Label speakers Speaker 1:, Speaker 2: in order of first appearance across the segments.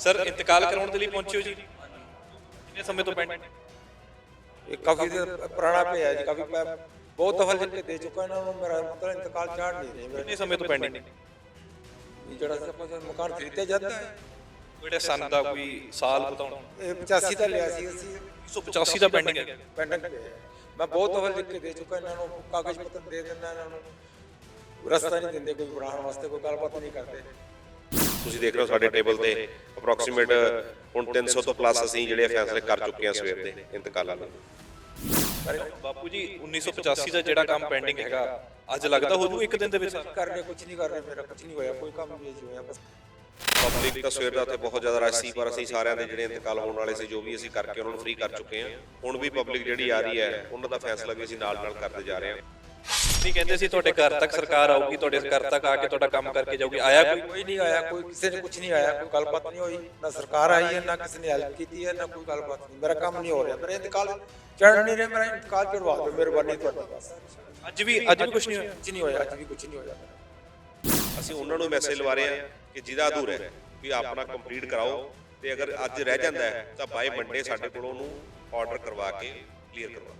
Speaker 1: Sir इंतकाल कराने के लिए पहुंचे हो जी, कितने समय तो पेंडिंग?
Speaker 2: ये काफ़ी देर पुराना पे है जी, काफ़ी बहुत दफ़ा लिख के दे चुका इन्होंने, मेरा मतलब इंतकाल चाड़ नहीं रहे
Speaker 1: कितने
Speaker 2: मेरा।
Speaker 1: समय तो पेंडिंग?
Speaker 2: ये जड़ा से ਆਪਾਂ ਮਕਾਨ ਖਰੀਦਿਆ ਜਾਂਦਾ ਹੈ
Speaker 1: ਕਿਹੜੇ ਸਨ ਦਾ ਕੋਈ ਸਾਲ ਬਤਾਉਣ?
Speaker 2: ਇਹ 85 ਦਾ ਲਿਆ ਸੀ ਅਸੀਂ,
Speaker 1: 185 ਦਾ ਪੈਂਡਿੰਗ ਹੈ।
Speaker 2: ਪੈਂਡਿੰਗ ਪਿਆ ਹੈ। ਮੈਂ ਬਹੁਤ ਦਫ਼ਾ ਲਿਖ ਕੇ ਦੇ ਚੁੱਕਾ ਇਹਨਾਂ ਨੂੰ, ਕਾਗਜ਼ ਪੱਤਰ ਦੇ ਦਿੰਦਾ ਇਹਨਾਂ ਨੂੰ, ਰਸਤਾ ਨਹੀਂ ਦਿੰਦੇ ਕੋਈ ਬਣਾਉਣ ਵਾਸਤੇ, ਕੋਈ ਗੱਲਬਾਤ ਨਹੀਂ ਕਰਦੇ।
Speaker 3: ਤੁਸੀਂ ਦੇਖ ਰਹੇ ਹੋ ਸਾਡੇ ਟੇਬਲ ਤੇ ਅਪਰੋਕਸੀਮੇਟ ਹੁਣ 300 ਤੋਂ ਪਲੱਸ ਅਸੀਂ ਜਿਹੜੇ ਫੈਸਲੇ ਕਰ ਚੁੱਕੇ ਹਾਂ ਸਵੇਰ ਦੇ ਇੰਤਕਾਲਾਂ ਦੇ।
Speaker 1: ਬਾਪੂ ਜੀ 1985 ਦਾ ਜਿਹੜਾ ਕੰਮ ਪੈਂਡਿੰਗ ਹੈਗਾ ਅੱਜ ਲੱਗਦਾ ਹੋ ਜੂ ਇੱਕ ਦਿਨ ਦੇ ਵਿੱਚ?
Speaker 2: ਕਰ ਰਹੇ ਕੁਝ ਨਹੀਂ ਕਰ ਰਹੇ, ਮੇਰਾ ਕੁਝ ਨਹੀਂ ਹੋਇਆ, ਕੋਈ ਕੰਮ ਨਹੀਂ ਹੋਇਆ ਬਸ।
Speaker 3: ਪਬਲਿਕ ਤਾਂ ਸਵੇਰ ਦਾ ਉੱਥੇ ਬਹੁਤ ਜ਼ਿਆਦਾ ਰਸ਼ ਸੀ, ਪਰ ਅਸੀਂ ਸਾਰਿਆਂ ਦੇ ਜਿਹੜੇ ਇੰਤਕਾਲ ਹੋਣ ਵਾਲੇ ਸੀ ਜੋ ਵੀ ਅਸੀਂ ਕਰਕੇ ਉਹਨਾਂ ਨੂੰ ਫ੍ਰੀ ਕਰ ਚੁੱਕੇ ਹਾਂ। ਹੁਣ ਵੀ ਪਬਲਿਕ ਜਿਹੜੀ ਆ ਰਹੀ ਹੈ ਉਹਨਾਂ ਦਾ ਫੈਸਲਾ ਵੀ ਅਸੀਂ ਨਾਲ ਨਾਲ ਕਰਦੇ ਜਾ ਰਹੇ ਹਾਂ।
Speaker 1: ਨਹੀਂ ਕਹਿੰਦੇ ਸੀ ਤੁਹਾਡੇ ਘਰ ਤੱਕ ਸਰਕਾਰ ਆਊਗੀ, ਤੁਹਾਡੇ ਘਰ ਤੱਕ ਆ ਕੇ ਤੁਹਾਡਾ ਕੰਮ ਕਰਕੇ ਜਾਊਗੀ, ਆਇਆ ਕੋਈ?
Speaker 2: ਕੋਈ ਨਹੀਂ ਆਇਆ, ਕੋਈ ਕਿਸੇ ਨੇ ਕੁਝ ਨਹੀਂ ਆਇਆ, ਕੋਈ ਗੱਲਬਾਤ ਨਹੀਂ ਹੋਈ, ਨਾ ਸਰਕਾਰ ਆਈ ਹੈ ਨਾ ਕਿਸੇ ਨੇ ਹੈਲਪ ਕੀਤੀ ਹੈ, ਨਾ ਕੋਈ ਗੱਲਬਾਤ ਨਹੀਂ। ਮੇਰਾ ਕੰਮ ਨਹੀਂ ਹੋ ਰਿਹਾ, ਮੇਰਾ ਇੰਤਕਾਲ ਚੜ ਨਹੀਂ ਰਿਹਾ, ਮੇਰਾ ਇੰਤਕਾਲ ਚੜਵਾ ਦਿਓ ਮਿਹਰਬਾਨੀ ਤੁਹਾਡੀ ਬਸ।
Speaker 1: ਅੱਜ ਵੀ ਕੁਝ ਨਹੀਂ ਹੋਇਆ?
Speaker 2: ਕੁਝ ਨਹੀਂ ਹੋਇਆ, ਅੱਜ ਵੀ ਕੁਝ ਨਹੀਂ ਹੋਇਆ।
Speaker 3: ਅਸੀਂ ਉਹਨਾਂ ਨੂੰ ਮੈਸੇਜ ਲਵਾ ਰਹੇ ਹਾਂ ਕਿ ਜਿਹਦਾ ਅਧੂਰਾ ਹੈ ਵੀ ਆਪਣਾ ਕੰਪਲੀਟ ਕਰਾਓ, ਤੇ ਅਗਰ ਅੱਜ ਰਹਿ ਜਾਂਦਾ ਹੈ ਤਾਂ ਬਾਈ ਮੰਡੇ ਸਾਡੇ ਕੋਲ ਉਹਨੂੰ ਆਰਡਰ ਕਰਵਾ ਕੇ ਕਲੀਅਰ ਕਰਵਾ ਦਿਓ।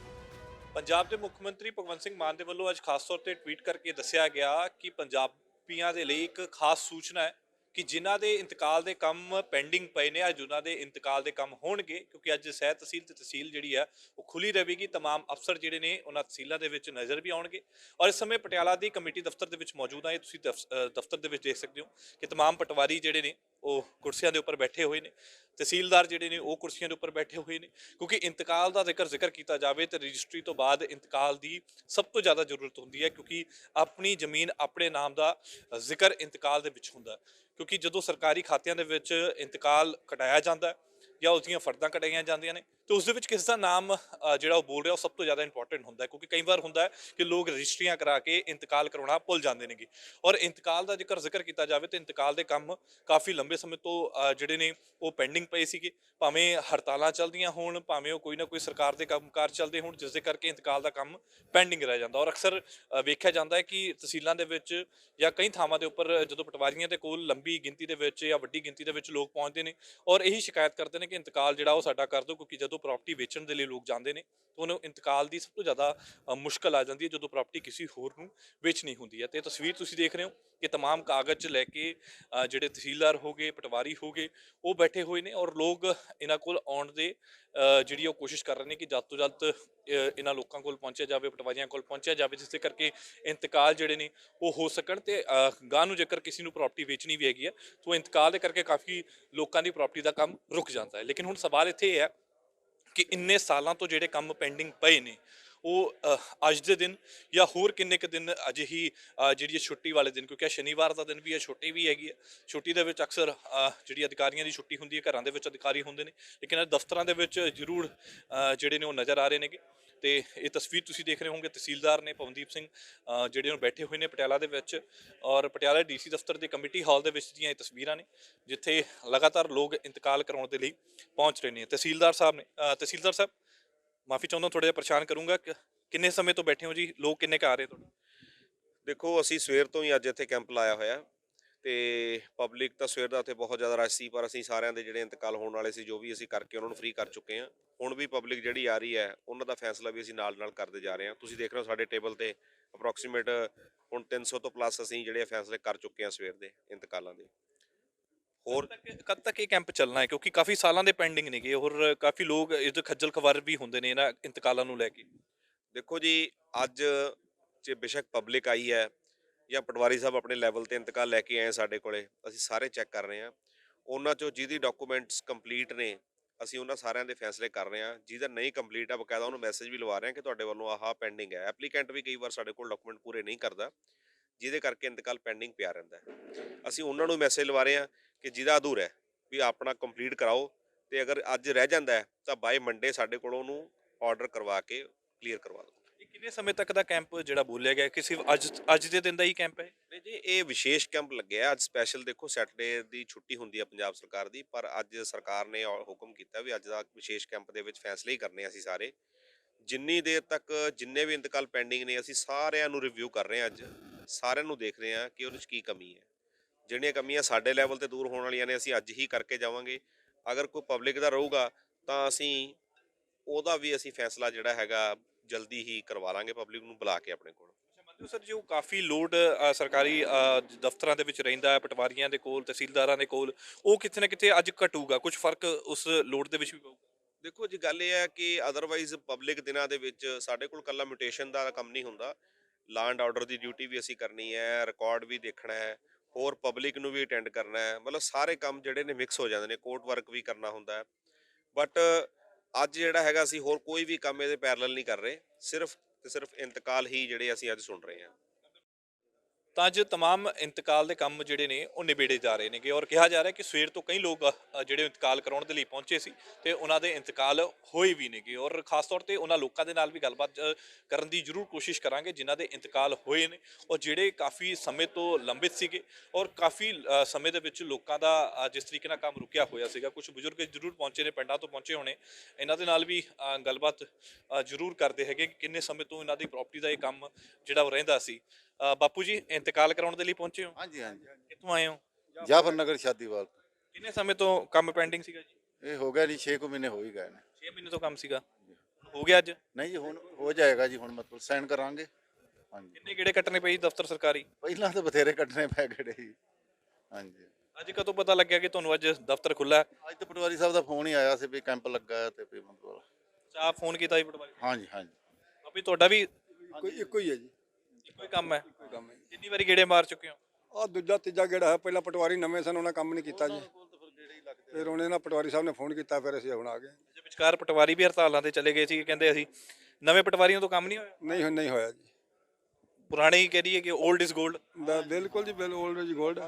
Speaker 1: ਪੰਜਾਬ ਦੇ ਮੁੱਖ ਮੰਤਰੀ ਭਗਵੰਤ ਸਿੰਘ ਮਾਨ ਦੇ ਵੱਲੋਂ ਅੱਜ ਖਾਸ ਤੌਰ ਤੇ ਟਵੀਟ ਕਰਕੇ ਦੱਸਿਆ ਗਿਆ ਕਿ ਪੰਜਾਬੀਆਂ ਦੇ ਲਈ ਇੱਕ ਖਾਸ ਸੂਚਨਾ ਹੈ ਕਿ ਜਿਨ੍ਹਾਂ ਦੇ ਇੰਤਕਾਲ ਦੇ ਕੰਮ ਪੈਂਡਿੰਗ ਪਏ ਨੇ ਅੱਜ ਉਹਨਾਂ ਦੇ ਇੰਤਕਾਲ ਦੇ ਕੰਮ ਹੋਣਗੇ, ਕਿਉਂਕਿ ਅੱਜ ਸਹਿ ਤਹਿਸੀਲ ਤੇ ਤਹਿਸੀਲ ਜਿਹੜੀ ਆ ਉਹ ਖੁੱਲੀ ਰਹੇਗੀ। तमाम ਅਫਸਰ ਜਿਹੜੇ ਨੇ ਉਹਨਾਂ ਤਹਿਸੀਲਾਂ ਦੇ ਵਿੱਚ ਨਜ਼ਰ ਵੀ ਆਉਣਗੇ ਔਰ ਇਸ ਸਮੇਂ ਪਟਿਆਲਾ ਦੀ ਕਮੇਟੀ ਦਫ਼ਤਰ ਦੇ ਵਿੱਚ ਮੌਜੂਦ ਆ। ਇਹ ਤੁਸੀਂ ਦਫ਼ਤਰ ਦੇ ਵਿੱਚ ਦੇਖ ਸਕਦੇ ਹੋ ਕਿ तमाम ਪਟਵਾਰੀ ਜਿਹੜੇ ਨੇ ਉਹ ਕੁਰਸੀਆਂ ਦੇ ਉੱਪਰ ਬੈਠੇ ਹੋਏ ਨੇ, ਤਹਿਸੀਲਦਾਰ ਜਿਹੜੇ ਨੇ ਉਹ ਕੁਰਸੀਆਂ ਦੇ ਉੱਪਰ ਬੈਠੇ ਹੋਏ ਨੇ, ਕਿਉਂਕਿ ਇੰਤਕਾਲ ਦਾ ਜ਼ਿਕਰ ਕੀਤਾ ਜਾਵੇ ਤਾਂ ਰਜਿਸਟਰੀ ਤੋਂ ਬਾਅਦ ਇੰਤਕਾਲ ਦੀ ਸਭ ਤੋਂ ਜ਼ਿਆਦਾ ਜ਼ਰੂਰਤ ਹੁੰਦੀ ਹੈ, ਕਿਉਂਕਿ ਆਪਣੀ ਜ਼ਮੀਨ ਆਪਣੇ ਨਾਮ ਦਾ ਜ਼ਿਕਰ ਇੰਤਕਾਲ ਦੇ ਵਿੱਚ ਹੁੰਦਾ। ਕਿਉਂਕਿ ਜਦੋਂ ਸਰਕਾਰੀ ਖਾਤਿਆਂ ਦੇ ਵਿੱਚ ਇੰਤਕਾਲ ਕਟਾਇਆ ਜਾਂਦਾ ਜਾਂ ਉਸ ਦੀਆਂ ਫਰਦਾਂ ਕਟਾਈਆਂ ਜਾਂਦੀਆਂ ਨੇ ਤੇ ਉਸ ਦੇ ਵਿੱਚ ਕਿਸ ਦਾ ਨਾਮ ਜਿਹੜਾ ਉਹ ਬੋਲ ਰਿਹਾ ਉਹ ਸਭ ਤੋਂ ਜ਼ਿਆਦਾ ਇੰਪੋਰਟੈਂਟ ਹੁੰਦਾ ਹੈ, ਕਿਉਂਕਿ ਕਈ ਵਾਰ ਹੁੰਦਾ ਹੈ ਕਿ ਲੋਕ ਰਜਿਸਟਰੀਆਂ ਕਰਾ ਕੇ ਇੰਤਕਾਲ ਕਰਾਉਣਾ ਭੁੱਲ ਜਾਂਦੇ ਨੇਗੇ। ਔਰ ਇੰਤਕਾਲ ਦਾ ਜ਼ਿਕਰ ਕੀਤਾ ਜਾਵੇ ਤਾਂ ਇੰਤਕਾਲ ਦੇ ਕੰਮ ਕਾਫੀ ਲੰਬੇ ਸਮੇਂ ਤੋਂ ਜਿਹੜੇ ਨੇ ਉਹ ਪੈਂਡਿੰਗ ਪਏ ਸੀਗੇ, ਭਾਵੇਂ ਹੜਤਾਲਾਂ ਚੱਲਦੀਆਂ ਹੋਣ, ਭਾਵੇਂ ਉਹ ਕੋਈ ਨਾ ਕੋਈ ਸਰਕਾਰ ਦੇ ਕੰਮਕਾਰ ਚੱਲਦੇ ਹੋਣ, ਜਿਸ ਦੇ ਕਰਕੇ ਇੰਤਕਾਲ ਦਾ ਕੰਮ ਪੈਂਡਿੰਗ ਰਹਿ ਜਾਂਦਾ। ਔਰ ਅਕਸਰ ਵੇਖਿਆ ਜਾਂਦਾ ਹੈ ਕਿ ਤਹਿਸੀਲਾਂ ਦੇ ਵਿੱਚ ਜਾਂ ਕਈ ਥਾਵਾਂ ਦੇ ਉੱਪਰ ਜਦੋਂ ਪਟਵਾਰੀਆਂ ਦੇ ਕੋਲ ਲੰਬੀ ਗਿਣਤੀ ਦੇ ਵਿੱਚ ਜਾਂ ਵੱਡੀ ਗਿਣਤੀ ਦੇ ਵਿੱਚ ਲੋਕ ਪਹੁੰਚਦੇ ਨੇ ਔਰ ਇਹੀ ਸ਼ਿਕਾਇਤ ਕਰਦੇ ਨੇ ਕਿ ਇੰਤਕਾਲ ਜਿਹੜਾ ਉਹ ਸਾਡਾ ਕਰ ਦਿਓ, ਕਿਉਂਕਿ ਜਦੋਂ ਪ੍ਰਾਪਰਟੀ ਵੇਚਣ ਦੇ ਲਈ ਲੋਕ ਜਾਂਦੇ ਨੇ ਤਾਂ ਉਹਨੂੰ ਇੰਤਕਾਲ ਦੀ ਸਭ ਤੋਂ ਜ਼ਿਆਦਾ ਮੁਸ਼ਕਲ ਆ ਜਾਂਦੀ ਹੈ ਜਦੋਂ ਪ੍ਰਾਪਰਟੀ ਕਿਸੇ ਹੋਰ ਨੂੰ ਵੇਚਣੀ ਹੁੰਦੀ ਹੈ। ਤੇ ਤਸਵੀਰ ਤੁਸੀਂ ਦੇਖ ਰਹੇ ਹੋ ਕਿ तमाम ਕਾਗਜ਼ ਲੈ ਕੇ ਜਿਹੜੇ ਤਹਿਸੀਲਦਾਰ ਹੋ ਗਏ, ਪਟਵਾਰੀ ਹੋ ਗਏ, ਉਹ ਬੈਠੇ ਹੋਏ ਨੇ ਔਰ ਲੋਕ ਇਹਨਾਂ ਕੋਲ ਆਉਣ ਦੇ ਜਿਹੜੀ ਉਹ ਕੋਸ਼ਿਸ਼ ਕਰ ਰਹੇ ਨੇ ਕਿ ਜਲਦ ਤੋਂ ਜਲਦ ਇਹਨਾਂ ਲੋਕਾਂ ਕੋਲ ਪਹੁੰਚਿਆ ਜਾਵੇ, ਪਟਵਾਰੀਆਂ ਕੋਲ ਪਹੁੰਚਿਆ ਜਾਵੇ, ਜਿਸ ਦੇ ਕਰਕੇ ਇੰਤਕਾਲ ਜਿਹੜੇ ਨੇ ਉਹ ਹੋ ਸਕਣ। ਤੇ ਗਾਂ ਨੂੰ ਜੇਕਰ ਕਿਸੇ ਨੂੰ ਪ੍ਰਾਪਰਟੀ ਵੇਚਣੀ ਵੀ ਹੈਗੀ ਹੈ ਤਾਂ ਇੰਤਕਾਲ ਦੇ ਕਰਕੇ ਕਾਫੀ ਲੋਕਾਂ ਦੀ ਪ੍ਰਾਪਰਟੀ ਦਾ ਕੰਮ ਰੁਕ ਜਾਂਦਾ ਹੈ। ਲੇਕਿਨ ਹੁਣ ਸਵਾਲ ਇੱਥੇ ਇਹ ਹੈ ਕਿ ਇੰਨੇ ਸਾਲਾਂ ਤੋਂ ਜਿਹੜੇ ਕੰਮ ਪੈਂਡਿੰਗ ਪਏ ਨੇ ਉਹ ਅੱਜ ਦੇ ਦਿਨ ਜਾਂ ਹੋਰ ਕਿੰਨੇ ਕੁ ਦਿਨ ਅਜਿਹੀ ਜਿਹੜੀ ਛੁੱਟੀ ਵਾਲੇ ਦਿਨ, ਕਿਉਂਕਿ ਸ਼ਨੀਵਾਰ ਦਾ ਦਿਨ ਵੀ ਹੈ, ਛੁੱਟੀ ਵੀ ਹੈਗੀ ਹੈ, ਛੁੱਟੀ ਦੇ ਵਿੱਚ ਅਕਸਰ ਜਿਹੜੀ ਅਧਿਕਾਰੀਆਂ ਦੀ ਛੁੱਟੀ ਹੁੰਦੀ ਹੈ, ਘਰਾਂ ਦੇ ਵਿੱਚ ਅਧਿਕਾਰੀ ਹੁੰਦੇ ਨੇ, ਲੇਕਿਨ ਦਫ਼ਤਰਾਂ ਦੇ ਵਿੱਚ ਜ਼ਰੂਰ ਜਿਹੜੇ ਨੇ ਉਹ ਨਜ਼ਰ ਆ ਰਹੇ ਨੇਗੇ। ਤੇ ਇਹ ਤਸਵੀਰ ਤੁਸੀਂ ਦੇਖ ਰਹੇ ਹੋਗੇ ਤਹਿਸੀਲਦਾਰ ਨੇ ਪਵਨਦੀਪ ਸਿੰਘ ਜਿਹੜੇ ਉਹ ਬੈਠੇ ਹੋਏ ਨੇ ਪਟਿਆਲਾ ਦੇ ਵਿੱਚ ਔਰ ਪਟਿਆਲਾ ਡੀਸੀ ਦਫ਼ਤਰ ਦੇ ਕਮੇਟੀ ਹਾਲ ਦੇ ਵਿੱਚ ਦੀਆਂ ਇਹ ਤਸਵੀਰਾਂ ਨੇ ਜਿੱਥੇ ਲਗਾਤਾਰ ਲੋਕ ਇੰਤਕਾਲ ਕਰਾਉਣ ਦੇ ਲਈ ਪਹੁੰਚ ਰਹੇ ਨੇ। ਤਹਿਸੀਲਦਾਰ ਸਾਹਿਬ ਨੇ, ਤਹਿਸੀਲਦਾਰ ਸਾਹਿਬ ਮਾਫੀ ਚਾਹੁੰਦਾ ਥੋੜਾ ਜਿਹਾ ਪਰੇਸ਼ਾਨ ਕਰੂੰਗਾ, ਕਿੰਨੇ ਸਮੇਂ ਤੋਂ ਬੈਠੇ ਹੋ ਜੀ, ਲੋਕ ਕਿੰਨੇ ਕੁ ਆ ਰਹੇ ਤੁਹਾਡੇ?
Speaker 3: ਦੇਖੋ ਅਸੀਂ ਸਵੇਰ ਤੋਂ ਹੀ ਅੱਜ ਇੱਥੇ ਕੈਂਪ ਲਾਇਆ ਹੋਇਆ ਤੇ ਪਬਲਿਕ ਤਾਂ ਸਵੇਰ ਦਾ ਉੱਥੇ ਬਹੁਤ ਜ਼ਿਆਦਾ ਰਸ਼ ਸੀ, ਪਰ ਅਸੀਂ ਸਾਰਿਆਂ ਦੇ ਜਿਹੜੇ ਇੰਤਕਾਲ ਹੋਣ ਵਾਲੇ ਸੀ ਜੋ ਵੀ ਅਸੀਂ ਕਰਕੇ ਉਹਨਾਂ ਨੂੰ ਫ੍ਰੀ ਕਰ ਚੁੱਕੇ ਹਾਂ। ਹੁਣ ਵੀ ਪਬਲਿਕ ਜਿਹੜੀ ਆ ਰਹੀ ਹੈ ਉਹਨਾਂ ਦਾ ਫੈਸਲਾ ਵੀ ਅਸੀਂ ਨਾਲ ਨਾਲ ਕਰਦੇ ਜਾ ਰਹੇ ਹਾਂ। ਤੁਸੀਂ ਦੇਖ ਰਹੇ ਹੋ ਸਾਡੇ ਟੇਬਲ ਤੇ ਅਪਰੋਕਸੀਮੇਟ ਹੁਣ 300 ਤੋਂ ਪਲੱਸ ਅਸੀਂ ਜਿਹੜੇ ਫੈਸਲੇ ਕਰ ਚੁੱਕੇ ਹਾਂ ਸਵੇਰ ਦੇ ਇੰਤਕਾਲਾਂ ਦੇ। ਹੋਰ
Speaker 1: ਕਦ ਤੱਕ ਇਹ ਕੈਂਪ ਚੱਲਣਾ ਹੈ, ਕਿਉਂਕਿ ਕਾਫੀ ਸਾਲਾਂ ਦੇ ਪੈਂਡਿੰਗ ਨੇਗੇ ਔਰ ਕਾਫੀ ਲੋਕ ਇਸ ਖੱਜਲ ਖਵਾਰ ਵੀ ਹੁੰਦੇ ਨੇ ਇਹਨਾਂ ਇੰਤਕਾਲਾਂ ਨੂੰ ਲੈ ਕੇ?
Speaker 3: ਦੇਖੋ ਜੀ, ਅੱਜ ਜੇ ਬੇਸ਼ੱਕ ਪਬਲਿਕ ਆਈ ਹੈ ਜਾਂ ਪਟਵਾਰੀ ਸਾਹਿਬ ਆਪਣੇ ਲੈਵਲ ਤੇ ਇੰਤਕਾਲ ਲੈ ਕੇ ਆਏ ਸਾਡੇ ਕੋਲੇ, ਅਸੀਂ ਸਾਰੇ ਚੈੱਕ ਕਰ ਰਹੇ ਹਾਂ। ਉਹਨਾਂ ਚੋਂ ਜਿਹਦੀ ਡਾਕੂਮੈਂਟਸ ਕੰਪਲੀਟ ਨੇ ਅਸੀਂ ਉਹਨਾਂ ਸਾਰਿਆਂ ਦੇ ਫੈਸਲੇ ਕਰ ਰਹੇ ਹਾਂ। ਜਿਹਦਾ ਨਹੀਂ ਕੰਪਲੀਟ ਆ ਬਕਾਇਦਾ ਉਹਨੂੰ ਮੈਸੇਜ ਵੀ ਲਵਾ ਰਹੇ ਹਾਂ ਕਿ ਤੁਹਾਡੇ ਵੱਲੋਂ ਆਹ ਪੈਂਡਿੰਗ ਹੈ। ਐਪਲੀਕੈਂਟ ਵੀ ਕਈ ਵਾਰ ਸਾਡੇ ਕੋਲ ਡਾਕੂਮੈਂਟ ਪੂਰੇ ਨਹੀਂ ਕਰਦਾ, ਜਿਹਦੇ ਕਰਕੇ ਇੰਤਕਾਲ ਪੈਂਡਿੰਗ ਪਿਆ ਰਹਿੰਦਾ ਹੈ। ਅਸੀਂ ਉਹਨਾਂ ਨੂੰ ਮੈਸੇਜ ਲਵਾ ਰਹੇ ਹਾਂ ਕਿ ਜਿਹਦਾ ਅਧੂਰਾ ਹੈ ਵੀ ਆਪਣਾ ਕੰਪਲੀਟ ਕਰਾਓ, ਤੇ ਅਗਰ ਅੱਜ ਰਹਿ ਜਾਂਦਾ ਹੈ ਤਾਂ ਬਾਈ ਮੰਡੇ ਸਾਡੇ ਕੋਲ ਉਹਨੂੰ ਆਰਡਰ ਕਰਵਾ ਕੇ ਕਲੀਅਰ ਕਰਵਾ ਦਿਓ।
Speaker 1: ਇਹ ਕਿੰਨੇ ਸਮੇਂ ਤੱਕ ਦਾ ਕੈਂਪ ਜਿਹੜਾ ਬੋਲਿਆ ਗਿਆ, ਕਿਸੇ ਅੱਜ ਦੇ ਦਿਨ ਦਾ ਹੀ ਕੈਂਪ ਹੈ?
Speaker 3: ਨਹੀਂ ਜੀ, ਇਹ ਵਿਸ਼ੇਸ਼ ਕੈਂਪ ਲੱਗਿਆ ਅੱਜ ਸਪੈਸ਼ਲ। ਦੇਖੋ ਸੈਟਰਡੇ ਦੀ ਛੁੱਟੀ ਹੁੰਦੀ ਹੈ ਪੰਜਾਬ ਸਰਕਾਰ ਦੀ, ਪਰ ਅੱਜ ਸਰਕਾਰ ਨੇ ਹੁਕਮ ਕੀਤਾ ਵੀ ਅੱਜ ਦਾ ਵਿਸ਼ੇਸ਼ ਕੈਂਪ ਦੇ ਵਿੱਚ ਫੈਸਲੇ ਹੀ ਕਰਨੇ ਅਸੀਂ ਸਾਰੇ। ਜਿੰਨੀ ਦੇਰ ਤੱਕ ਜਿੰਨੇ ਵੀ ਇੰਤਕਾਲ ਪੈਂਡਿੰਗ ਨੇ ਅਸੀਂ ਸਾਰਿਆਂ ਨੂੰ ਰਿਵਿਊ ਕਰ ਰਹੇ ਹਾਂ, ਅੱਜ ਸਾਰਿਆਂ ਨੂੰ ਦੇਖ ਰਹੇ ਹਾਂ ਕਿ ਉਹਦੇ 'ਚ ਕੀ ਕਮੀ ਹੈ। ਜਿਹੜੀਆਂ ਕਮੀਆਂ ਸਾਡੇ ਲੈਵਲ ਤੇ ਦੂਰ ਹੋਣ ਵਾਲੀਆਂ ਨੇ ਅਸੀਂ ਅੱਜ ਹੀ ਕਰਕੇ ਜਾਵਾਂਗੇ। ਅਗਰ ਕੋਈ ਪਬਲਿਕ ਦਾ ਰਹੂਗਾ ਤਾਂ ਅਸੀਂ ਉਹਦਾ ਵੀ ਅਸੀਂ ਫੈਸਲਾ ਜਿਹੜਾ ਹੈਗਾ ਜਲਦੀ ਹੀ ਕਰਵਾ ਲਾਂਗੇ, ਪਬਲਿਕ ਨੂੰ ਬੁਲਾ ਕੇ ਆਪਣੇ ਕੋਲ।
Speaker 1: ਮੰਨਦੇ ਹੋ ਸਰ ਜੋ ਕਾਫੀ ਲੋਡ ਸਰਕਾਰੀ ਦਫ਼ਤਰਾਂ ਦੇ ਵਿੱਚ ਰਹਿੰਦਾ ਹੈ, ਪਟਵਾਰੀਆਂ ਦੇ ਕੋਲ, ਤਹਿਸੀਲਦਾਰਾਂ ਦੇ ਕੋਲ, ਉਹ ਕਿਤੇ ਨਾ ਕਿਤੇ ਅੱਜ ਘਟੂਗਾ, ਕੁਝ ਫਰਕ ਉਸ ਲੋਡ ਦੇ ਵਿੱਚ ਵੀ ਪਊਗਾ।
Speaker 3: ਦੇਖੋ ਜੀ, ਗੱਲ ਇਹ ਹੈ ਕਿ ਅਦਰਵਾਈਜ਼ ਪਬਲਿਕ ਦਿਨਾਂ ਦੇ ਵਿੱਚ ਸਾਡੇ ਕੋਲ ਕੱਲਾ ਮਿਊਟੇਸ਼ਨ ਦਾ ਕੰਮ ਨਹੀਂ ਹੁੰਦਾ, ਲਾ ਐਂਡ ਆਰਡਰ ਦੀ ਡਿਊਟੀ ਵੀ ਅਸੀਂ ਕਰਨੀ ਹੈ, ਰਿਕਾਰਡ ਵੀ ਦੇਖਣਾ ਹੈ, ਹੋਰ ਪਬਲਿਕ ਨੂੰ ਵੀ ਅਟੈਂਡ ਕਰਨਾ ਹੈ, ਮਤਲਬ ਸਾਰੇ ਕੰਮ ਜਿਹੜੇ ਨੇ ਮਿਕਸ ਹੋ ਜਾਂਦੇ ਨੇ, ਕੋਰਟ ਵਰਕ ਵੀ ਕਰਨਾ ਹੁੰਦਾ ਹੈ। ਬਟ ਅੱਜ ਜਿਹੜਾ ਹੈਗਾ ਅਸੀਂ ਹੋਰ ਕੋਈ ਵੀ ਕੰਮ ਇਹਦੇ ਪੈਰਲਲ ਨਹੀਂ ਕਰ ਰਹੇ, ਸਿਰਫ ਤੇ ਸਿਰਫ ਇੰਤਕਾਲ ਹੀ ਜਿਹੜੇ ਅਸੀਂ ਅੱਜ ਸੁਣ ਰਹੇ ਹਾਂ।
Speaker 1: ਤਾਂ ਅੱਜ ਤਮਾਮ ਇੰਤਕਾਲ ਦੇ ਕੰਮ ਜਿਹੜੇ ਨੇ ਉਹ ਨਿਬੇੜੇ ਜਾ ਰਹੇ ਨੇਗੇ ਔਰ ਕਿਹਾ ਜਾ ਰਿਹਾ ਕਿ ਸਵੇਰ ਤੋਂ ਕਈ ਲੋਕ ਜਿਹੜੇ ਇੰਤਕਾਲ ਕਰਾਉਣ ਦੇ ਲਈ ਪਹੁੰਚੇ ਸੀ ਤੇ ਉਹਨਾਂ ਦੇ ਇੰਤਕਾਲ ਹੋਏ ਵੀ ਨੇਗੇ ਔਰ ਖਾਸ ਤੌਰ ਤੇ ਉਹਨਾਂ ਲੋਕਾਂ ਦੇ ਨਾਲ ਵੀ ਗੱਲਬਾਤ ਕਰਨ ਦੀ ਜ਼ਰੂਰ ਕੋਸ਼ਿਸ਼ ਕਰਾਂਗੇ ਜਿਨ੍ਹਾਂ ਦੇ ਇੰਤਕਾਲ ਹੋਏ ਨੇ ਔਰ ਜਿਹੜੇ ਕਾਫੀ ਸਮੇਂ ਤੋਂ ਲੰਬਿਤ ਸੀਗੇ ਔਰ ਕਾਫੀ ਸਮੇਂ ਦੇ ਵਿੱਚ ਲੋਕਾਂ ਦਾ ਜਿਸ ਤਰੀਕੇ ਨਾਲ ਕੰਮ ਰੁਕਿਆ ਹੋਇਆ ਸੀਗਾ। ਕੁਝ ਬਜ਼ੁਰਗ ਜ਼ਰੂਰ ਪਹੁੰਚੇ ਨੇ, ਪਿੰਡਾਂ ਤੋਂ ਪਹੁੰਚੇ ਹੋਣੇ, ਇਹਨਾਂ ਦੇ ਨਾਲ ਵੀ ਗੱਲਬਾਤ ਜ਼ਰੂਰ ਕਰਦੇ ਹੈਗੇ ਕਿ ਕਿੰਨੇ ਸਮੇਂ ਤੋਂ ਇਹਨਾਂ ਦੀ ਪ੍ਰਾਪਰਟੀ ਦਾ ਇਹ ਕੰਮ ਜਿਹੜਾ ਉਹ ਰਹਿੰਦਾ ਸੀ। ਬਾਪੂ ਜੀ ਇੰਤਕਾਲ ਕਰਾਉਣ ਦੇ ਲਈ ਪਹੁੰਚੇ ਹੋ?
Speaker 4: ਹਾਂਜੀ ਹਾਂਜੀ
Speaker 1: ਕਿੱਥੋਂ ਆਏ ਹੋ?
Speaker 4: ਜਾਫਰ ਨਗਰ ਸ਼ਾਦੀਵਾਲ ਤੋਂ।
Speaker 1: ਕਿੰਨੇ ਸਮੇਂ ਤੋਂ ਕੰਮ ਪੈਂਡਿੰਗ ਸੀਗਾ ਜੀ?
Speaker 4: ਇਹ ਹੋ ਗਿਆ ਜੀ 6 ਮਹੀਨੇ ਹੋ ਹੀ ਗਏ ਨੇ।
Speaker 1: 6 ਮਹੀਨੇ ਤੋਂ ਕੰਮ ਸੀਗਾ, ਹੋ ਗਿਆ ਅੱਜ?
Speaker 4: ਨਹੀਂ ਜੀ, ਹੁਣ ਹੋ ਜਾਏਗਾ ਜੀ, ਹੁਣ ਮਤਲਬ ਸਾਈਨ ਕਰਾਂਗੇ। ਹਾਂਜੀ,
Speaker 1: ਕਿੰਨੇ ਗੇੜੇ ਕੱਟਣੇ ਪਏ ਜੀ ਦਫ਼ਤਰ ਸਰਕਾਰੀ?
Speaker 4: ਪਹਿਲਾਂ ਤਾਂ ਬਥੇਰੇ ਕੱਢਣੇ ਪੈ ਗਏ ਜੀ। ਹਾਂਜੀ,
Speaker 1: ਅੱਜ ਕਦੋਂ ਪਤਾ ਲੱਗਿਆ ਕਿ ਤੁਹਾਨੂੰ ਅੱਜ ਦਫ਼ਤਰ ਖੁੱਲਾ?
Speaker 4: ਅੱਜ ਤਾਂ ਪਟਵਾਰੀ ਸਾਹਿਬ ਦਾ ਫੋਨ ਹੀ ਆਇਆ ਸੀ ਵੀ ਕੈਂਪ ਲੱਗਾ ਹੈ ਤੇ ਵੀ ਮਤਲਬ।
Speaker 1: ਚਾਹ ਫੋਨ ਕੀਤਾ ਜੀ ਪਟਵਾਰੀ?
Speaker 4: ਹਾਂਜੀ ਹਾਂਜੀ,
Speaker 1: ਆਪੀ ਤੁਹਾਡਾ ਵੀ
Speaker 2: ਇੱਕੋ ਹੀ ਹੈ ਜੀ।
Speaker 1: ਇੱਕੋ ਹੀ ਕੰਮ ਹੈ? ਕਿੰਨੀ ਵਾਰੀ ਗੇੜੇ ਮਾਰ ਚੁੱਕੇ ਹੋ?
Speaker 2: ਆ ਦੂਜਾ ਤੀਜਾ ਗੇੜਾ ਹੈ। ਪਹਿਲਾਂ ਪਟਵਾਰੀ ਨਵੇਂ ਸਨ, ਉਹਨਾਂ ਕੰਮ ਨਹੀਂ ਕੀਤਾ ਜੀ, ਫਿਰ ਉਹਨੇ ਨਾ ਪਟਵਾਰੀ ਸਾਹਿਬ ਨੇ ਫੋਨ ਕੀਤਾ, ਫਿਰ ਅਸੀਂ ਹੁਣ ਆ ਗਏ।
Speaker 1: ਜੇ ਵਿਚਕਾਰ ਪਟਵਾਰੀ ਵੀ ਹੜਤਾਲਾਂ ਤੇ ਚਲੇ ਗਏ ਸੀ, ਕਹਿੰਦੇ ਅਸੀਂ ਨਵੇਂ ਪਟਵਾਰੀਆਂ ਤੋਂ ਕੰਮ ਨਹੀਂ ਹੋਇਆ?
Speaker 2: ਨਹੀਂ ਹੋਇਆ ਜੀ।
Speaker 1: ਪੁਰਾਣੇ ਹੀ ਕਹਿ ਰਹੀਏ ਕਿ 올ਡ ਇਜ਼ 골ਡ।
Speaker 2: ਬਿਲਕੁਲ ਜੀ, 올ਡ ਜੀ ਗੋਲਡ।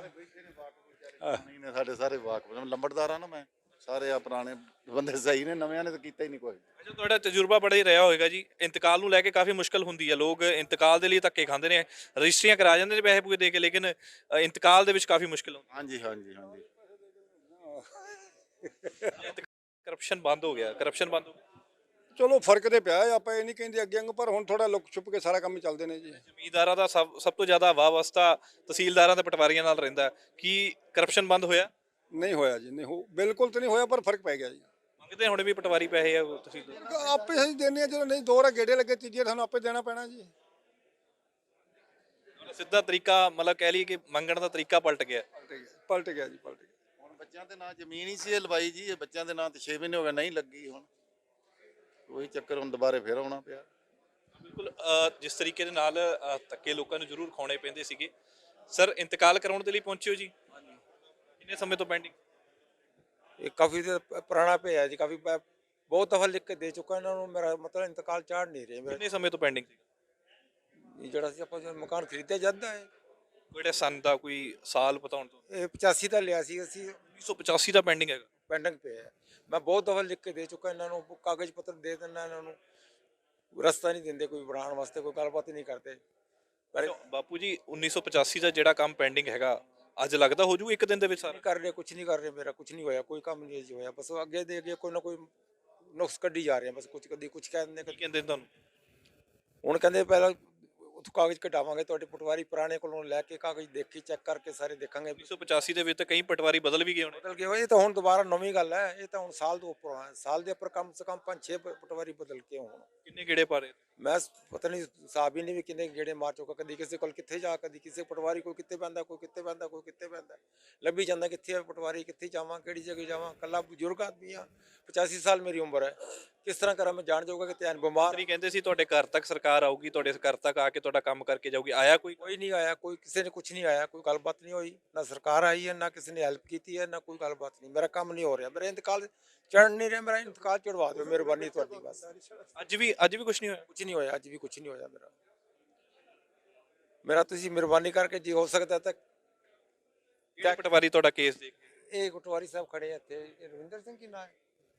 Speaker 4: ਨਹੀਂ ਨੇ ਸਾਡੇ ਸਾਰੇ ਵਾਕਫ ਲੰਬੜਦਾਰ ਆ ਨਾ, ਮੈਂ ਸਾਰੇ ਆ ਪੁਰਾਣੇ ਬੰਦੇ ਸਹੀ ਨੇ, ਨਵਿਆਂ ਨੇ ਤਾਂ ਕੀਤਾ ਹੀ ਨਹੀਂ ਕੋਈ।
Speaker 1: ਅੱਛਾ, ਤੁਹਾਡਾ ਤਜਰਬਾ ਬੜਾ ਹੀ ਰਿਹਾ ਹੋਵੇਗਾ ਜੀ। ਇੰਤਕਾਲ ਨੂੰ ਲੈ ਕੇ ਕਾਫੀ ਮੁਸ਼ਕਲ ਹੁੰਦੀ ਹੈ, ਲੋਕ ਇੰਤਕਾਲ ਦੇ ਲਈ ਧੱਕੇ ਖਾਂਦੇ ਨੇ, ਰਜਿਸਟਰੀਆਂ ਕਰਾ ਜਾਂਦੇ ਨੇ ਪੈਸੇ ਪੂਏ ਦੇ ਕੇ, ਲੇਕਿਨ ਇੰਤਕਾਲ ਦੇ ਵਿੱਚ ਕਾਫੀ ਮੁਸ਼ਕਲ ਹੁੰਦੀ
Speaker 4: ਹਾਂਜੀ ਹਾਂਜੀ ਹਾਂਜੀ,
Speaker 1: ਹੈ। ਕਰਪਸ਼ਨ ਬੰਦ ਹੋ ਗਿਆ, ਕਰਪਸ਼ਨ ਬੰਦ ਹੋ ਗਿਆ।
Speaker 2: ਚਲੋ ਫਰਕ ਤੇ ਪਿਆ ਹੈ, ਆਪਾਂ ਇਹ ਨਹੀਂ ਕਹਿੰਦੇ ਅੱਗੇ ਅੰਗ, ਪਰ ਹੁਣ ਥੋੜਾ ਲੁਕ ਛੁਪ ਕੇ ਸਾਰਾ ਕੰਮ ਚੱਲਦੇ ਨੇ ਜੀ।
Speaker 1: ਜ਼ਮੀਂਦਾਰਾਂ ਦਾ ਸਭ ਤੋਂ ਜ਼ਿਆਦਾ ਵਾਹ ਵਸਤਾ ਤਹਿਸੀਲਦਾਰਾਂ ਤੇ ਪਟਵਾਰੀਆਂ ਨਾਲ ਰਹਿੰਦਾ। ਕੀ ਕਰਪਸ਼ਨ ਬੰਦ ਹੋਇਆ?
Speaker 2: ਨਹੀਂ ਹੋਇਆ ਜੀ, ਨਹੀਂ ਹੋ, ਬਿਲਕੁਲ ਤਾਂ ਨਹੀਂ ਹੋਇਆ, ਪਰ ਫਰਕ ਪੈ ਗਿਆ ਜੀ।
Speaker 1: ਮੰਗਦੇ ਹੁਣ ਵੀ ਪਟਵਾਰੀ ਪੈਸੇ ਆ ਤੁਸੀਂ?
Speaker 2: ਆਪੇ ਅਸੀਂ ਦਿੰਦੇ ਆ, ਜਦੋਂ ਨਹੀਂ ਦੋ ਰਾ ਗੇੜੇ ਲੱਗੇ, ਤੀਜੇ ਸਾਨੂੰ ਆਪੇ ਦੇਣਾ ਪੈਣਾ ਜੀ।
Speaker 1: ਸਿੱਧਾ ਤਰੀਕਾ ਮਤਲਬ ਕਹਿ ਲਈਏ ਕਿ ਮੰਗਣ ਦਾ ਤਰੀਕਾ ਪਲਟ ਗਿਆ।
Speaker 2: ਪਲਟ ਗਿਆ ਜੀ, ਪਲਟ ਗਿਆ।
Speaker 4: ਹੁਣ ਬੱਚਿਆਂ ਦੇ ਨਾਂ ਜ਼ਮੀਨ ਹੀ ਸੀ ਇਹ ਲਵਾਈ ਜੀ, ਇਹ ਬੱਚਿਆਂ ਦੇ ਨਾਂ ਤੇ 6 ਮਹੀਨੇ ਹੋ ਗਏ ਨਹੀਂ ਲੱਗੀ, ਹੁਣ ਉਹੀ ਚੱਕਰ, ਹੁਣ ਦੁਬਾਰੇ ਫੇਰ ਆਉਣਾ ਪਿਆ।
Speaker 1: ਬਿਲਕੁਲ ਜਿਸ ਤਰੀਕੇ ਦੇ ਨਾਲ ਧੱਕੇ ਲੋਕਾਂ ਨੂੰ ਜ਼ਰੂਰ ਖਾਣੇ ਪੈਂਦੇ ਸੀਗੇ। ਸਰ ਇੰਤਕਾਲ ਕਰਾਉਣ ਦੇ ਲਈ ਪਹੁੰਚੇ ਹੋ ਜੀ? ਕਿੰਨੇ ਸਮੇਂ ਤੋਂ ਪੈਂਡਿੰਗ?
Speaker 2: ਇਹ ਕਾਫੀ ਪੁਰਾਣਾ ਪਿਆ ਜੀ, ਕਾਫੀ ਬਹੁਤ ਦਫਾ ਲਿਖ ਕੇ ਦੇ ਚੁੱਕਾ ਇਹਨਾਂ ਨੂੰ। ਮੇਰਾ ਮਤਲਬ ਇੰਤਕਾਲ ਚਾੜ ਨਹੀਂ ਰਹੇ ਮੇਰਾ।
Speaker 1: ਕਿੰਨੇ ਸਮੇਂ ਤੋਂ ਪੈਂਡਿੰਗ ਸੀ?
Speaker 2: ਇਹ ਜਿਹੜਾ ਸੀ ਆਪਾਂ ਜਦੋਂ ਮਕਾਨ ਖਰੀਦਿਆ ਜਾਂਦਾ ਹੈ,
Speaker 1: ਕਿਹੜੇ ਸੰਨ ਦਾ ਕੋਈ ਸਾਲ ਪਤਾ ਹੋਣ ਤੋਂ?
Speaker 2: ਇਹ 85 ਦਾ ਲਿਆ ਸੀ ਅਸੀਂ,
Speaker 1: 1985 ਦਾ ਪੈਂਡਿੰਗ ਹੈਗਾ।
Speaker 2: ਪੈਂਡਿੰਗ ਪਿਆ ਹੈ। ਮੈਂ ਬਹੁਤ ਦਫਾ ਲਿਖ ਕੇ ਦੇ ਚੁੱਕਾ ਇਹਨਾਂ ਨੂੰ, ਕਾਗਜ਼ ਪੱਤਰ ਦੇ ਦਿੰਦਾ ਇਹਨਾਂ ਨੂੰ, ਰਸਤਾ ਨਹੀਂ ਦਿੰਦੇ ਕੋਈ ਬਣਾਉਣ ਵਾਸਤੇ, ਕੋਈ ਗੱਲਬਾਤ ਹੀ ਨਹੀਂ ਕਰਦੇ। ਪਰ
Speaker 1: ਬਾਪੂ ਜੀ 1985 ਦਾ ਜਿਹੜਾ ਕੰਮ ਪੈਂਡਿੰਗ ਹੈਗਾ ਅੱਜ ਲੱਗਦਾ ਹੋ ਜੂ ਇੱਕ ਦਿਨ ਦੇ ਵਿੱਚ ਸਾਰਾ?
Speaker 2: ਕਰ ਰਹੇ, ਕੁਝ ਨਹੀਂ ਕਰ ਰਹੇ, ਮੇਰਾ ਕੁਝ ਨਹੀਂ ਹੋਇਆ, ਕੋਈ ਕੰਮ ਨਹੀਂ ਜੀ ਹੋਇਆ। ਬਸ ਅੱਗੇ ਦੇ ਅੱਗੇ ਕੋਈ ਨਾ ਕੋਈ ਨੁਕਸ ਕੱਢੀ ਜਾ ਰਹੇ ਆ, ਬਸ ਕੁਝ ਕਦੀ ਕੁਝ ਕਹਿ ਦਿੰਦੇ।
Speaker 1: ਕੀ ਕਹਿੰਦੇ ਨੇ ਤੁਹਾਨੂੰ?
Speaker 2: ਹੁਣ ਕਹਿੰਦੇ ਪਹਿਲਾਂ ਉੱਥੋਂ ਕਾਗਜ਼ ਕਢਾਵਾਂਗੇ, ਤੁਹਾਡੇ ਪਟਵਾਰੀ ਪੁਰਾਣੇ ਕੋਲੋਂ ਲੈ ਕੇ ਕਾਗਜ਼ ਦੇਖੀ ਚੈੱਕ ਕਰਕੇ ਸਾਰੇ ਦੇਖਾਂਗੇ।
Speaker 1: 1985 ਦੇ ਵਿੱਚ ਤਾਂ ਕਈ ਪਟਵਾਰੀ ਬਦਲ ਵੀ ਗਏ ਹੋਣੇ।
Speaker 2: ਬਦਲ ਗਏ ਹੋਏ, ਇਹ ਤਾਂ ਹੁਣ ਦੁਬਾਰਾ ਨਵੀਂ ਗੱਲ ਹੈ। ਇਹ ਤਾਂ ਹੁਣ ਸਾਲ ਤੋਂ ਉੱਪਰ ਹੋਣਾ, ਸਾਲ ਦੇ ਉੱਪਰ ਕਮ ਸੇ ਕਮ 5-6 ਪਟਵਾਰੀ ਬਦਲ ਕੇ ਹੋਣ।
Speaker 1: ਕਿੰਨੇ ਗੇੜੇ ਪਾ ਰਹੇ?
Speaker 2: ਮੈਂ ਪਤਾ ਨਹੀਂ ਹਿਸਾਬ ਹੀ ਨਹੀਂ ਵੀ ਕਿੰਨੇ ਗੇੜੇ ਮਾਰ ਚੁੱਕਾ। ਕਦੀ ਕਿਸੇ ਕੋਲ ਕਿੱਥੇ ਜਾ, ਕਦੀ ਕਿਸੇ ਪਟਵਾਰੀ ਕੋਲ ਕਿੱਥੇ ਪੈਂਦਾ, ਕੋਈ ਕਿੱਥੇ ਪੈਂਦਾ, ਕੋਈ ਕਿੱਥੇ ਪੈਂਦਾ, ਲੱਭੀ ਜਾਂਦਾ ਕਿੱਥੇ ਹੈ ਪਟਵਾਰੀ, ਕਿੱਥੇ ਜਾਵਾਂ, ਕਿਹੜੀ ਜਗ੍ਹਾ ਜਾਵਾਂ। ਕੱਲਾ ਬਜ਼ੁਰਗ ਆਦਮੀ ਆ, 85 ਸਾਲ ਮੇਰੀ ਉਮਰ ਹੈ, ਕਿਸ ਤਰ੍ਹਾਂ ਕਰਾਂ ਮੈਂ? ਜਾਣ ਜਾਊਗਾ ਕਿ ਧਿਆਨ ਬਿਮਾਰ।
Speaker 1: ਨਹੀਂ ਕਹਿੰਦੇ ਸੀ ਤੁਹਾਡੇ ਘਰ ਤੱਕ ਸਰਕਾਰ ਆਊਗੀ, ਤੁਹਾਡੇ ਘਰ ਤੱਕ ਆ ਕੇ ਤੁਹਾਡਾ ਕੰਮ ਕਰਕੇ ਜਾਊਗੀ, ਆਇਆ ਕੋਈ?
Speaker 2: ਕੋਈ ਨਹੀਂ ਆਇਆ, ਕੋਈ ਕਿਸੇ ਨੇ ਕੁਝ ਨਹੀਂ ਆਇਆ, ਕੋਈ ਗੱਲਬਾਤ ਨਹੀਂ ਹੋਈ, ਨਾ ਸਰਕਾਰ ਆਈ ਹੈ, ਨਾ ਕਿਸੇ ਨੇ ਹੈਲਪ ਕੀਤੀ ਹੈ, ਨਾ ਕੋਈ ਗੱਲਬਾਤ ਨਹੀਂ। ਮੇਰਾ ਕੰਮ ਨਹੀਂ ਹੋ ਰਿਹਾ, ਮੇਰਾ ਇੰਤਕਾਲ ਚੜ ਨਹੀਂ ਰਿਹਾ, ਮੇਰਾ ਇੰਤਕਾਲ ਚੜਵਾ ਦਿਓ, ਮਿਹਰਬਾਨੀ ਤੁਹਾਡੀ ਬਸ।
Speaker 1: ਅੱਜ ਵੀ ਕੁਝ ਨਹੀਂ ਹੋਇਆ?
Speaker 2: ਕੁਝ ਨਹੀਂ ਹੋਇਆ, ਅੱਜ ਵੀ ਕੁਝ ਨਹੀਂ ਹੋਇਆ ਮੇਰਾ ਤੁਸੀਂ ਮਿਹਰਬਾਨੀ ਕਰਕੇ ਜੇ ਹੋ ਸਕਦਾ ਤਾਂ।
Speaker 1: ਕਿਹੜਾ ਪਟਵਾਰੀ ਤੁਹਾਡਾ ਕੇਸ ਦੇਖ ਕੇ?
Speaker 2: ਇਹ ਪਟਵਾਰੀ ਸਾਹਿਬ ਖੜੇ ਆ ਇੱਥੇ, ਇਹ ਰਵਿੰਦਰ ਸਿੰਘ ਕੀ ਨਾਂ ਹੈ?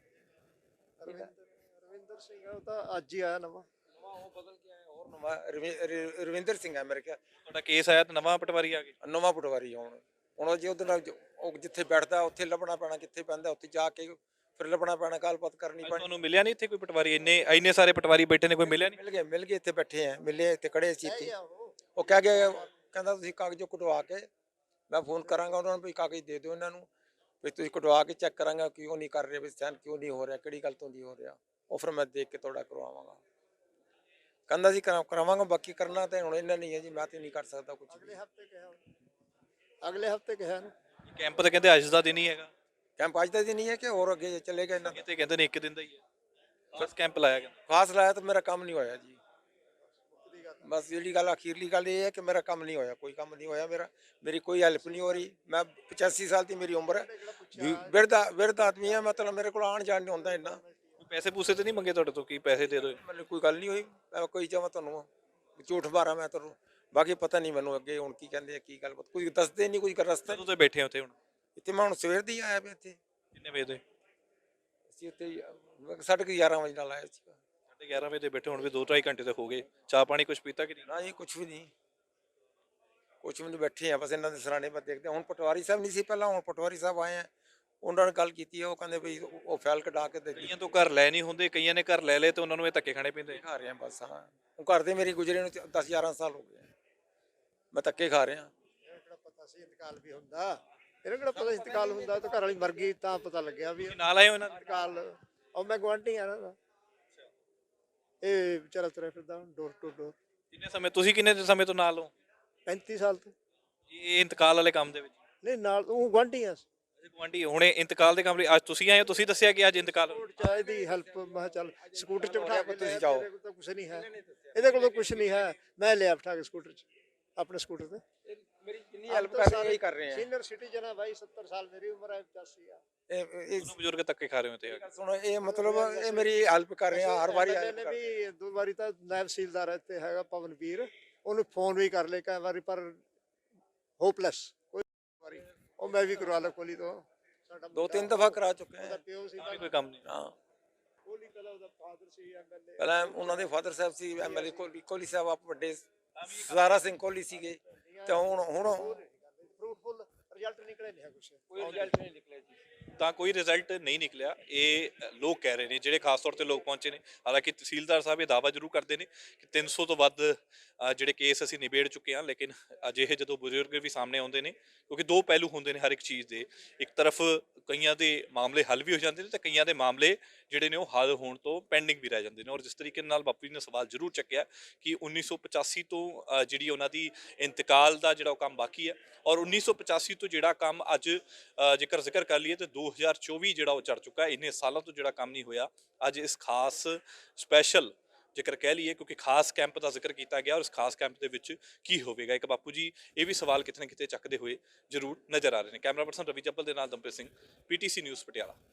Speaker 5: ਰਵਿੰਦਰ ਸਿੰਘ ਉਹ ਤਾਂ ਅੱਜ ਹੀ ਆਇਆ ਨਵਾਂ।
Speaker 2: ਉਹ ਬਦਲ ਕੇ ਆਇਆ, ਹੋਰ ਨਵਾਂ ਰਵਿੰਦਰ ਸਿੰਘ ਹੈ ਮੇਰੇ ਖਿਆਲ।
Speaker 1: ਤੁਹਾਡਾ ਕੇਸ ਆਇਆ ਤਾਂ ਨਵਾਂ ਪਟਵਾਰੀ ਆ ਗਿਆ?
Speaker 2: ਨਵਾਂ ਪਟਵਾਰੀ ਹੁਣ ਜੇ ਉਹਦੇ ਨਾਲ ਉਹ ਜਿੱਥੇ ਬੈਠਦਾ ਉੱਥੇ ਲੱਭਣਾ ਪੈਣਾ, ਕਿੱਥੇ ਪੈਂਦਾ ਉੱਥੇ ਜਾ ਕੇ ਫਿਰ ਲੱਭਣਾ ਪੈਣਾ, ਗੱਲਬਾਤ ਕਰਨੀ ਪੈਣੀ।
Speaker 1: ਤੁਹਾਨੂੰ ਮਿਲਿਆ ਨਹੀਂ ਇੱਥੇ ਕੋਈ ਪਟਵਾਰੀ? ਇੰਨੇ ਸਾਰੇ ਪਟਵਾਰੀ ਬੈਠੇ ਨੇ, ਕੋਈ ਮਿਲਿਆ ਨਹੀਂ?
Speaker 2: ਮਿਲ ਗਏ ਇੱਥੇ ਬੈਠੇ ਆ, ਮਿਲੇ ਇੱਥੇ ਖੜੇ ਸੀ ਇੱਥੇ। ਉਹ ਕਹਿ ਗਿਆ, ਕਹਿੰਦਾ ਤੁਸੀਂ ਕਾਗਜ਼ ਕਢਵਾ ਕੇ ਮੈਂ ਫੋਨ ਕਰਾਂਗਾ ਉਹਨਾਂ ਨੂੰ ਵੀ ਕਾਗਜ਼ ਦੇ ਦਿਓ ਇਹਨਾਂ ਨੂੰ ਵੀ ਤੁਸੀਂ ਕਟਵਾ ਕੇ ਚੈੱਕ ਕਰਾਂਗਾ ਕਿਉਂ ਨਹੀਂ ਕਰ ਰਹੇ ਵੀ ਸੈਨ ਕਿਉਂ ਨਹੀਂ ਹੋ ਰਿਹਾ ਕਿਹੜੀ ਗੱਲ ਤੋਂ ਨਹੀਂ ਹੋ ਰਿਹਾ ਉਹ ਫਿਰ ਮੈਂ ਦੇਖ ਕੇ ਤੁਹਾਡਾ ਕਰਵਾਵਾਂਗਾ ਕਹਿੰਦਾ ਜੀ ਕਰਾਵਾਂਗਾ ਬਾਕੀ ਕਰਨਾ ਤਾਂ ਹੁਣ ਇਹਨਾਂ ਨਹੀਂ ਹੈ ਜੀ ਮੈਂ ਤੇ ਨਹੀਂ ਕਰ ਸਕਦਾ ਕੁਝ
Speaker 5: ਅਗਲੇ ਹਫਤੇ ਕਿਹਾ ਅਗਲੇ ਹਫਤੇ ਕਿਹਾ ਨਾ
Speaker 1: ਕੈਂਪ ਤਾਂ ਕਹਿੰਦੇ ਅੱਜ ਦਾ ਦਿਨ ਹੀ ਹੈਗਾ,
Speaker 2: ਕੈਂਪ ਅੱਜ ਦਾ ਦਿਨ ਨਹੀਂ ਹੈ ਕਿ ਹੋਰ ਅੱਗੇ ਚੱਲੇਗਾ ਇਹਨਾਂ ਦਾ
Speaker 1: ਕਿਤੇ ਕਹਿੰਦੇ ਨੇ ਇੱਕ ਦਿਨ ਦਾ ਹੀ ਹੈ ਬਸ ਕੈਂਪ ਲਾਇਆ ਗਿਆ।
Speaker 2: ਖਾਸ ਲਾਇਆ ਤਾਂ ਮੇਰਾ ਕੰਮ ਨਹੀਂ ਹੋਇਆ ਜੀ ਬਸ ਜਿਹੜੀ ਗੱਲ ਅਖੀਰਲੀ ਗੱਲ ਇਹ ਹੈ ਕਿ ਮੇਰਾ ਕੰਮ ਨਹੀਂ ਹੋਇਆ ਕੋਈ ਕੰਮ ਨਹੀਂ ਹੋਇਆ ਮੇਰੀ ਕੋਈ ਹੈਲਪ ਨਹੀਂ ਹੋ ਰਹੀ ਮੈਂ 85 ਸਾਲ ਦੀ ਮੇਰੀ ਉਮਰ ਹੈ ਬਿਰਧ ਆਦਮੀ ਹੈ ਮਤਲਬ ਮੇਰੇ ਕੋਲ ਆਉਣ ਜਾਣ ਨਹੀਂ ਹੁੰਦਾ ਇੰਨਾ
Speaker 1: ਪੈਸੇ ਪੂਸੇ ਤੇ ਨਹੀਂ ਮੰਗੇ ਤੁਹਾਡੇ ਤੋਂ, ਕੀ ਪੈਸੇ ਦੇ ਦਿਓ?
Speaker 2: ਮੈਨੂੰ ਕੋਈ ਗੱਲ ਨਹੀਂ ਹੋਈ ਮੈਂ ਕੋਈ ਚਾਹਾਂ ਤੁਹਾਨੂੰ ਝੂਠ ਮਾਰਾਂ ਮੈਂ ਤੁਹਾਨੂੰ ਬਾਕੀ ਪਤਾ ਨਹੀਂ ਮੈਨੂੰ ਅੱਗੇ ਹੁਣ ਕੀ ਕਹਿੰਦੇ ਆ ਕੀ ਗੱਲ ਕੋਈ ਦੱਸਦੇ ਨਹੀਂ ਕੋਈ ਰਸਤਾ
Speaker 1: ਕਦੋਂ ਤੇ ਬੈਠੇ ਹੋ ਉੱਥੇ ਹੁਣ?
Speaker 2: ਇੱਥੇ ਮੈਂ ਹੁਣ ਸਵੇਰ ਦੀ ਆਇਆ ਪਿਆ ਇੱਥੇ
Speaker 1: ਕਿੰਨੇ ਵਜੇ ਦੇ?
Speaker 2: ਅਸੀਂ ਉੱਥੇ 11:30 ਵਜੇ ਨਾਲ ਆਇਆ ਸੀ
Speaker 1: 11:30 ਵਜੇ ਦੇ ਬੈਠੇ, ਹੁਣ ਵੀ 2-2.5 ਘੰਟੇ ਤੇ ਹੋ ਗਏ। ਚਾਹ ਪਾਣੀ ਕੁਝ ਪੀਤਾ ਕਿ ਨਹੀਂ?
Speaker 2: ਨਾ ਜੀ ਕੁਛ ਵੀ ਨਹੀਂ ਬੈਠੇ ਆ ਬਸ ਇਹਨਾਂ ਦੇ ਸਰਾਣੇ ਪਰ ਦੇਖਦੇ ਹਾਂ। ਹੁਣ ਪਟਵਾਰੀ ਸਾਹਿਬ ਨਹੀਂ ਸੀ ਪਹਿਲਾਂ ਹੁਣ ਪਟਵਾਰੀ ਸਾਹਿਬ ਆਏ ਆ ਉਹਨਾਂ ਨਾਲ ਗੱਲ ਕੀਤੀ ਹੈ ਉਹ ਕਹਿੰਦੇ ਵੀ ਉਹ ਫਾਈਲ ਕਢਾ ਕੇ ਦੇ
Speaker 1: ਕਈਆਂ ਤੋਂ ਘਰ ਲੈ ਨਹੀਂ ਹੁੰਦੇ, ਕਈਆਂ ਨੇ ਘਰ ਲੈ ਲਏ ਤੇ ਉਹਨਾਂ ਨੂੰ ਇਹ ਧੱਕੇ ਖਾਣੇ ਪੈਂਦੇ।
Speaker 2: ਖਾ ਰਹੇ ਆ ਬਸ ਹਾਂ ਉਹ ਘਰ ਦੇ ਮੇਰੀ ਗੁਜਰੇ ਨੂੰ 10-11 ਸਾਲ ਹੋ ਗਏ ਮੈਂ ਧੱਕੇ ਖਾ ਰਿਹਾ
Speaker 5: ਇਹਨਾਂ ਕਿਹੜਾ ਪਤਾ ਸੀ ਇੰਤਕਾਲ ਵੀ ਹੁੰਦਾ ਇਹਨਾਂ ਕਿਹੜਾ ਪਤਾ ਸੀ ਇੰਤਕਾਲ ਹੁੰਦਾ ਤਾਂ ਘਰ ਵਾਲੀ ਮਰ ਗਈ ਤਾਂ ਪਤਾ ਲੱਗਿਆ ਵੀ
Speaker 1: ਤੁਸੀਂ ਨਾਲ ਆਏ ਹੋ ਇਹਨਾਂ ਦੇ?
Speaker 5: ਇੰਤਕਾਲ ਉਹ ਮੈਂ ਗੁਆਂਢੀ ਆ ਨਾ ਇਹ ਵਿਚਾਰਾ ਤੁਰਿਆ ਫਿਰਦਾ ਡੋਰ ਟੂ ਡੋਰ
Speaker 1: ਕਿੰਨੇ ਸਮੇਂ, ਤੁਸੀਂ ਕਿੰਨੇ ਸਮੇਂ ਤੋਂ ਨਾਲ ਹੋ
Speaker 5: 35 ਸਾਲ ਤੋਂ
Speaker 1: ਇਹ ਇੰਤਕਾਲ ਵਾਲੇ ਕੰਮ ਦੇ ਵਿੱਚ?
Speaker 5: ਨਹੀਂ ਨਾਲ ਉਹ ਗੁਆਂਢੀ ਆ
Speaker 1: ਗੁਆਂਢੀ ਹੁਣੇ ਇੰਤਕਾਲ ਦੇ ਕੰਮ ਲਈ ਅੱਜ ਤੁਸੀਂ ਆਏ ਹੋ, ਤੁਸੀਂ ਦੱਸਿਆ ਕਿ ਅੱਜ ਇੰਤਕਾਲ ਹੋ।
Speaker 5: ਚਾਹੀਦੀ ਹੈਲਪ ਮੈਂ ਕਿਹਾ ਚੱਲ ਸਕੂਟਰ 'ਚ ਬਿਠਾ ਕੇ
Speaker 2: ਤੁਸੀਂ ਜਾਓ।
Speaker 5: ਇਹਦੇ ਕੋਲ ਤਾਂ ਕੁਛ ਨਹੀਂ ਹੈ ਇਹਦੇ ਕੋਲ ਤਾਂ ਕੁਛ ਨਹੀਂ ਹੈ ਮੈਂ ਲਿਆ ਬਿਠਾ ਕੇ ਸਕੂਟਰ 'ਚ ਆਪਣੇ ਸਕੂਟਰ ਤੇ
Speaker 2: ਮੇਰੀ ਜਿੰਨੀ ਹੈਲਪ ਕਰ ਰਹੇ ਕਰ ਰਹੇ ਆ
Speaker 5: ਸੀਨੀਅਰ ਸਿਟੀਜ਼ਨ ਹੈ ਭਾਈ 70 ਸਾਲ ਮੇਰੀ ਉਮਰ ਹੈ 85 ਆ
Speaker 2: ਇਹ
Speaker 1: ਦੋਨੋਂ ਬਜ਼ੁਰਗ ਧੱਕੇ ਖਾ ਰਹੇ ਹੋ ਤੇ
Speaker 2: ਸੁਣੋ ਇਹ ਮਤਲਬ ਇਹ ਮੇਰੀ ਹੈਲਪ ਕਰ ਰਹੇ ਆ ਹਰ ਵਾਰੀ help
Speaker 5: ਨੇ
Speaker 2: ਕਰ ਰਹੇ
Speaker 5: ਵੀ 2 ਵਾਰੀ ਤਾਂ ਨਾਇਬ ਤਹਿਸੀਲਦਾਰ ਇੱਥੇ ਹੈਗਾ ਪਵਨਵੀਰ ਉਹਨੂੰ ਫੋਨ ਵੀ ਕਰ ਲਏ ਕਈ ਵਾਰੀ ਪਰ ਹੋਪਲੈਸ ਕੋਈ ਵਾਰੀ ਉਹ ਮੈਂ ਵੀ ਕਰਵਾ ਲਿਆ ਕੋਲੀ ਤੋਂ ਸਾਡਾ
Speaker 2: 2-3 ਦਫਾ ਕਰਾ ਚੁੱਕੇ
Speaker 5: ਉਹਦਾ
Speaker 2: ਆ
Speaker 5: ਪਿਓ ਸੀ
Speaker 1: ਕੋਈ ਕੰਮ ਨਹੀਂ।
Speaker 2: ਹਾਂ
Speaker 5: ਕੋਲੀ ਪਹਿਲਾਂ ਉਹਦਾ ਫਾਦਰ ਸੀ ਐਮਐਲਏ
Speaker 2: ਪਹਿਲਾਂ ਉਹਨਾਂ ਦੇ ਫਾਦਰ ਸਾਹਿਬ ਸੀ ਐਮਐਲਏ ਕੋਹਲੀ ਸਾਹਿਬ ਆਪ ਵੱਡੇ ਸਦਾਰਾ ਸਿੰਘ ਕੋਹਲੀ ਸੀਗੇ ਤੇ ਹੁਣ
Speaker 5: ਫਰੂਟਫੁਲ ਰਿਜ਼ਲਟ ਨਿਕਲੇ ਨਹੀਂ ਹੈ ਕੁਛ
Speaker 2: ਕੋਈ ਰਿਜ਼ਲਟ ਨਹੀਂ ਨਿਕਲਿਆ ਜੀ
Speaker 1: ਤਾਂ ਕੋਈ ਰਿਜ਼ਲਟ ਨਹੀਂ ਨਿਕਲਿਆ, ਇਹ ਲੋਕ ਕਹਿ ਰਹੇ ਨੇ ਜਿਹੜੇ ਖਾਸ ਤੌਰ ਤੇ ਲੋਕ ਪਹੁੰਚੇ ਨੇ। ਹਾਲਾਂਕਿ ਤਹਿਸੀਲਦਾਰ ਸਾਹਿਬ ਇਹ ਦਾਅਵਾ ਜ਼ਰੂਰ ਕਰਦੇ ਨੇ ਕਿ 300 ਤੋਂ ਵੱਧ ਜਿਹੜੇ ਕੇਸ ਅਸੀਂ ਨਿਬੇੜ ਚੁੱਕੇ ਹਾਂ, ਲੇਕਿਨ ਅਜਿਹੇ ਜਦੋਂ ਬਜ਼ੁਰਗ ਵੀ ਸਾਹਮਣੇ ਆਉਂਦੇ ਨੇ ਕਿਉਂਕਿ ਦੋ ਪਹਿਲੂ ਹੁੰਦੇ ਨੇ ਹਰ ਇੱਕ ਚੀਜ਼ ਦੇ, ਇੱਕ ਤਰਫ ਕਈਆਂ ਦੇ ਮਾਮਲੇ ਹੱਲ ਵੀ ਹੋ ਜਾਂਦੇ ਨੇ ਤੇ ਕਈਆਂ ਦੇ ਮਾਮਲੇ ਜਿਹੜੇ ਨੇ ਉਹ ਹੱਲ ਹੋਣ ਤੋਂ ਪੈਂਡਿੰਗ ਵੀ ਰਹਿ ਜਾਂਦੇ ਨੇ। ਔਰ ਜਿਸ ਤਰੀਕੇ ਨਾਲ ਬਾਪੂ ਜੀ ਨੇ ਸਵਾਲ ਜ਼ਰੂਰ ਚੱਕਿਆ ਕਿ 1985 ਤੋਂ ਜਿਹੜੀ ਉਹਨਾਂ ਦੀ ਇੰਤਕਾਲ ਦਾ ਜਿਹੜਾ ਉਹ ਕੰਮ ਬਾਕੀ ਹੈ ਔਰ 1985 ਤੋਂ ਜਿਹੜਾ ਕੰਮ ਅੱਜ ਜੇਕਰ ਜ਼ਿਕਰ ਕਰ ਲਈਏ ਤੇ 2024 ਜਿਹੜਾ ਉਹ ਚੜ ਚੁੱਕਾ ਹੈ। ਇੰਨੇ ਸਾਲਾਂ ਤੋਂ ਜਿਹੜਾ ਕੰਮ ਨਹੀਂ ਹੋਇਆ, ਅੱਜ ਇਸ ਖਾਸ ਸਪੈਸ਼ਲ ਜੇਕਰ ਕਹਿ ਲਈਏ ਕਿਉਂਕਿ ਖਾਸ ਕੈਂਪ ਦਾ ਜ਼ਿਕਰ ਕੀਤਾ ਗਿਆ ਔਰ ਇਸ ਖਾਸ ਕੈਂਪ ਦੇ ਵਿੱਚ ਕੀ ਹੋਵੇਗਾ, ਇੱਕ ਬਾਪੂ ਜੀ ਇਹ ਵੀ ਸਵਾਲ ਕਿਤੇ ਨਾ ਕਿਤੇ ਚੱਕਦੇ ਹੋਏ ਜ਼ਰੂਰ ਨਜ਼ਰ ਆ ਰਹੇ ਨੇ। ਕੈਮਰਾ ਪਰਸਨ ਰਵੀ ਜੱਬਲ ਦੇ ਨਾਲ ਦਮਪ੍ਰੀਤ ਸਿੰਘ, PTC ਨਿਊਜ਼ ਪਟਿਆਲਾ।